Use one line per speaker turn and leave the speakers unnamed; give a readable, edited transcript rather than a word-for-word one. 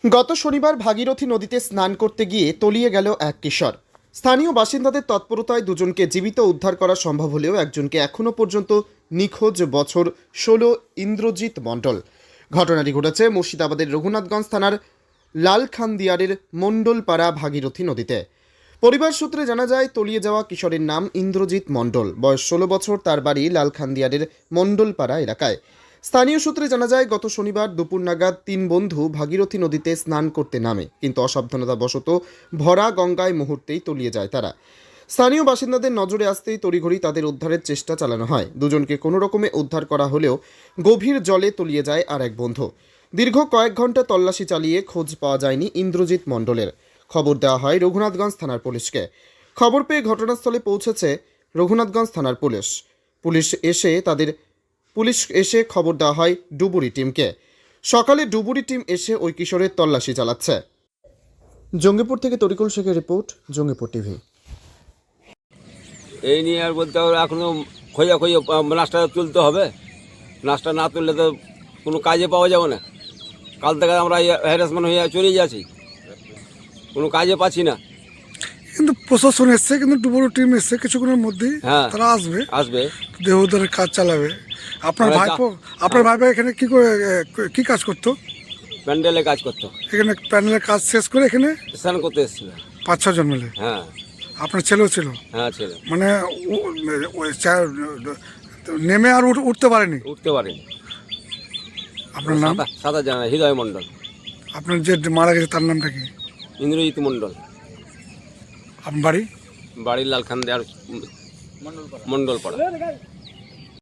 গত শনিবার ভাগীরথী নদীতে স্নান করতে গিয়ে তলিয়ে গেল এক কিশোর। স্থানীয় বাসিন্দাদের তৎপরতায় দুজনকে জীবিত উদ্ধার করা সম্ভব হলেও একজনকে এখনও পর্যন্ত নিখোঁজ। বছর 16 ইন্দ্রজিৎ মণ্ডল। ঘটনাটি ঘটেছে মুর্শিদাবাদের রঘুনাথগঞ্জ থানার লালখানদিয়ারের মণ্ডলপাড়া ভাগীরথী নদীতে। পরিবার সূত্রে জানা যায়, তলিয়ে যাওয়া কিশোরের নাম ইন্দ্রজিৎ মণ্ডল, বয়স 16 বছর। তার বাড়ি লালখানদিয়ারের মণ্ডলপাড়া এলাকায়। স্থানীয় সূত্রে জানা যায়, গত শনিবার দুপুর নাগাদ তিন বন্ধু ভাগীরথী নদীতে স্নান করতে নামে, কিন্তু অসাবধানতাবশত ভরা গঙ্গায় মুহূর্তেই তলিয়ে যায় তারা। স্থানীয় বাসিন্দাদের নজরে আসতেই তড়িঘড়ি তাদের উদ্ধারের চেষ্টা চালানো হয়। দুজনকে কোনো রকমে উদ্ধার করা হলেও গভীর জলে তলিয়ে যায় আর এক বন্ধু। দীর্ঘ কয়েক ঘন্টা তল্লাশি চালিয়ে খোঁজ পাওয়া যায়নি ইন্দ্রজিৎ মণ্ডলের। খবর দেওয়া হয় রঘুনাথগঞ্জ থানার পুলিশকে। খবর পেয়ে ঘটনাস্থলে পৌঁছেছে রঘুনাথগঞ্জ থানার পুলিশ এসে খবর দেওয়া হয় ডুবুরি টিমকে। সকালে ডুবুরি টিম এসে ওই কিশোরের তল্লাশি চালাচ্ছে। জঙ্গিপুর থেকে তরিকুল শেখের রিপোর্ট, জঙ্গিপুর টিভি।
এই নিয়ে আর বলতে হবে, এখনও খোঁজাখুঁজি নাচটা তুলতে হবে। নাচটা না তুললে তো কোনো কাজে পাওয়া যাবে না। কাল থেকে আমরা হ্যারাসমেন্ট হয়ে চলে যাচ্ছি, কোনো কাজে পাচ্ছি না।
কিন্তু প্রশাসন এসছে, কিন্তু ডুবুরি টিম এসছে কিছুক্ষণের মধ্যেই।
হ্যাঁ,
তারা আসবে দেহ উদ্ধারের কাজ চালাবে। আপনার ভাইপো এখানে কি কাজ করতো?
প্যান্ডেলে কাজ করতো।
এখানে প্যানেলের কাজ শেষ করে এখানে
স্নান করতে এসেছিল।
5-6 জন মিলে।
হ্যাঁ,
আপনার ছেলেও ছিল?
হ্যাঁ ছেলে।
মানে নেমে আর উঠতে পারেনি?
উঠতে পারেনি।
আপনার নাম?
সাঁতার জানা হৃদয় মণ্ডল।
আপনার যে মারা গেছে তার নামটা কি?
ইন্দ্রজিৎ মণ্ডল।
আপনার বাড়ি?
বাড়ির লালখান দেওয়ার মণ্ডলপাড়া।